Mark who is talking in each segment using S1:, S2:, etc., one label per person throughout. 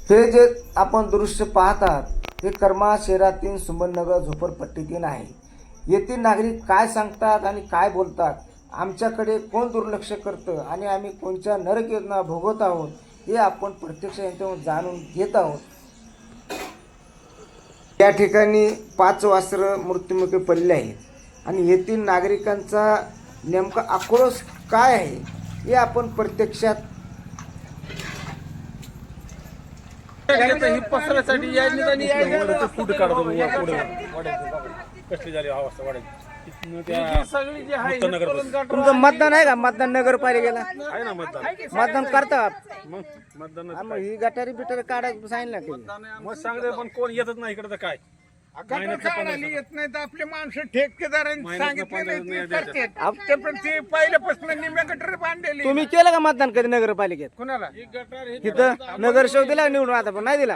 S1: हे जे आपण दृश्य पाहतात हे करमाळा शहरातील सुमननगर झोपडपट्टीतील आहे. येथील नागरिक काय सांगतात आणि काय बोलतात, आमच्याकडे कोण दुर्लक्ष करतं आणि आम्ही कोणत्या नरक योजना भोगत आहोत हे आपण प्रत्यक्ष यांच्याकडून जाणून घेत आहोत. या ठिकाणी 5 वासरं मृत्युमुखी पडले आहेत आणि येथील नागरिकांचा नेमका आक्रोश काय आहे हे आपण प्रत्यक्षात
S2: पसरासाठी फूट काढतो कसली झाली अवस्था वाढायची सगळी जी आहे.
S1: तुमचं मतदान आहे का? मतदान नगरपालिकेला
S2: आहे ना
S1: मतदान करता
S2: मग मतदान
S1: मग ही गटारी बिटारी काढायला सांगितलं की
S2: मग सांगते पण कोण येतच नाही इकडे तर काय
S3: येत नाही तर आपले माणसं ठेकेदारांनी सांगितले पण ते पहिल्यापासून निम्या गटर बांधलेली.
S1: तुम्ही केलं का मतदान कधी नगरपालिकेत?
S3: कुणाला
S1: तिथं नगरसेवक दिला का निवडून? आता पण नाही दिला.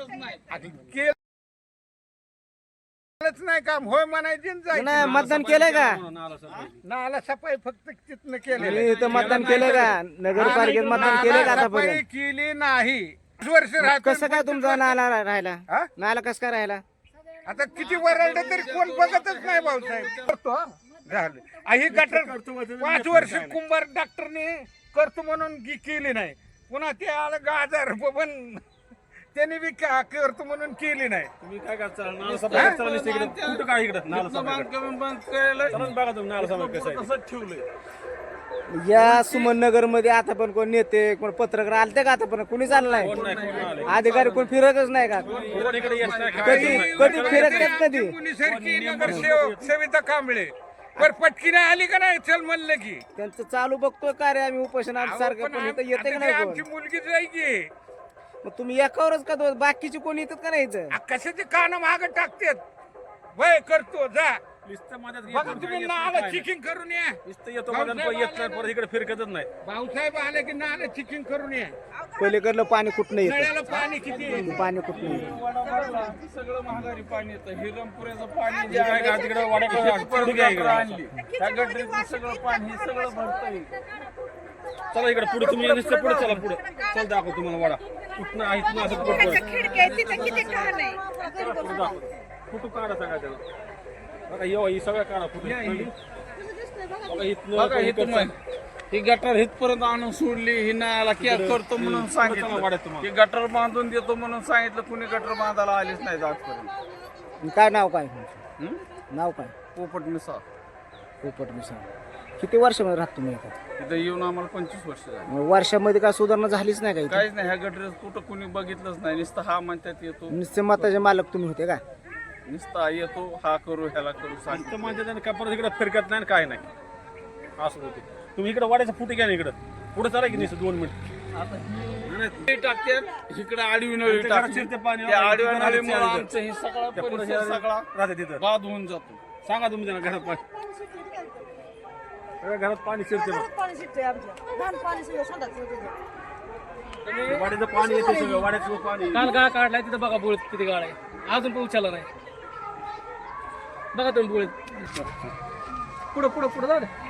S3: केलंच नाही काम होय म्हणायची
S1: नाही मतदान केलंय का?
S3: नाला सफाई फक्त तिथनं केली.
S1: तुम्ही इथं मतदान केलंय का? नगरपालिकेत मतदान केलंय का आतापर्यंत?
S3: केली नाही. वर्ष राहत
S1: कसं काय तुमचा नाला राहिला?
S3: हा?
S1: नाला कसं काय राहिला?
S3: आता किती वरळलं तरी कोण बघतच नाही भाऊसाहेब. करतो हा. झालं ही गटर 5 वर्ष कुंभार डॉक्टरने करतो म्हणून केली नाही. पुन्हा ते आलं गाजर पण त्यांनी बी करतो म्हणून केली नाही.
S2: तुम्ही काय करता नाला सफाई करायला इकडे कुठं काय इकडे नाला सफाई बघा तुम्ही नाला सफाई कसं ठेवलंय.
S1: या सुमननगर मध्ये आता पण कोण नेते कोण पत्रकार आलते का? आता पण कोणी चाललं नाही. अधिकारी कोण फिरतच नाही का?
S2: इकडे येत नाही
S1: कधी कधी फिरत नाहीत कधी.
S3: मुलीसारखी नगरसेवक सविता कांबळे पर पटकी नाही आली का नाही चल म्हणलं की
S1: त्यांचं चालू बघतोय का रे आम्ही उपोषणात सारखं, पण इथं येते का नाही
S3: आमची
S1: कोण?
S3: मुलगी जायची
S1: मग तुम्ही एकावरच का दोन? बाकीचे कोणी येतात का नाही इथं?
S3: कशाचे कान माग टाकतात वय करतो जा
S2: नुसतं माझ्यात
S3: बघा तुम्ही नाला चिकिंग करून या.
S2: नुसतं येतो माझ्या येत नाही परत इकडे फिरकतच नाही.
S3: भाऊसाहेब आले की नाला चिकिंग करून या.
S1: पलीकडलं पाणी कुठनं येतं?
S3: नळ्याला पाणी किती आहे?
S1: पाणी कुठनं येतं?
S4: सगळं महागारी पाणी येतं. हिरमपुऱ्याचं पाणी
S2: जे काय का तिकडे
S4: आणली त्या गटरीचं सगळं पाणी हे सगळं भरतंय.
S2: चला इकडे पुढे तुम्ही नुसतं पुढे चला पुढे चल दाखव तुम्हाला वाडा कुठनं आहे इथनं असं फोटो काढा सांगा त्याला. बघा ही सगळं काढा फोटो.
S4: बघा हे तुम्ही ही गटर इथपर्यंत आणून सोडली. ही नाला क्या करतो म्हणून सांगितलं. ही गटर बांधून देतो म्हणून सांगितलं. कुणी गटर बांधायला आलीच नाही आजपर्यंत.
S1: काय नाव काय? नाव काय?
S4: पोपट मिसा.
S1: पोपट मिसाळ. किती वर्षामध्ये राहत तुम्ही इथं?
S4: इथं येऊन आम्हाला 25 वर्ष झाली.
S1: मग वर्षामध्ये काय सुधारणा झालीच नाही का इथं?
S4: काहीच नाही. ह्या गटरीत कुठं कुणी बघितलंच नाही. नुसतं हा म्हणतात येतो.
S1: निश्चित मताचे मालक तुम्ही होते का?
S4: नुसतं येतो हा करू ह्याला करू सांग.
S2: इथं माझ्या त्याने का परत इकडे फिरकत नाही काय नाही असं होते. तुम्ही इकडे वाड्याचा फुटे घ्या ना इकडं पुढे चला की नुसतं 2 मिनिट
S4: टाकतात इकडे आडवी नळी टाकते.
S2: पाणी
S4: त्या आडव्या नळीमुळे आमचं हे सगळा परिसर सगळा
S2: राहते तिथं.
S4: बाद होऊन जातो.
S2: सांगा तुम्ही त्यांना घरात पाणी सगळ्या घरात पाणी शिरते वाड्याचं पाणी येते सगळं वाड्याचं पाणी.
S5: काल गाळ काढलाय तिथं बघा बुळीत किती गाळ आहे. अजून पाऊस आला नाही. बघा तुम्ही बुळीत पुढं पुढं पुढं जाऊ द्या.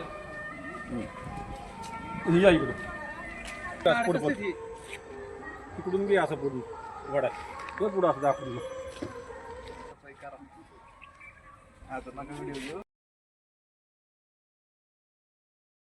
S2: या इकडे पुढं इकडून घे असं पुढून वाड्यात पुढं असं दाखवून.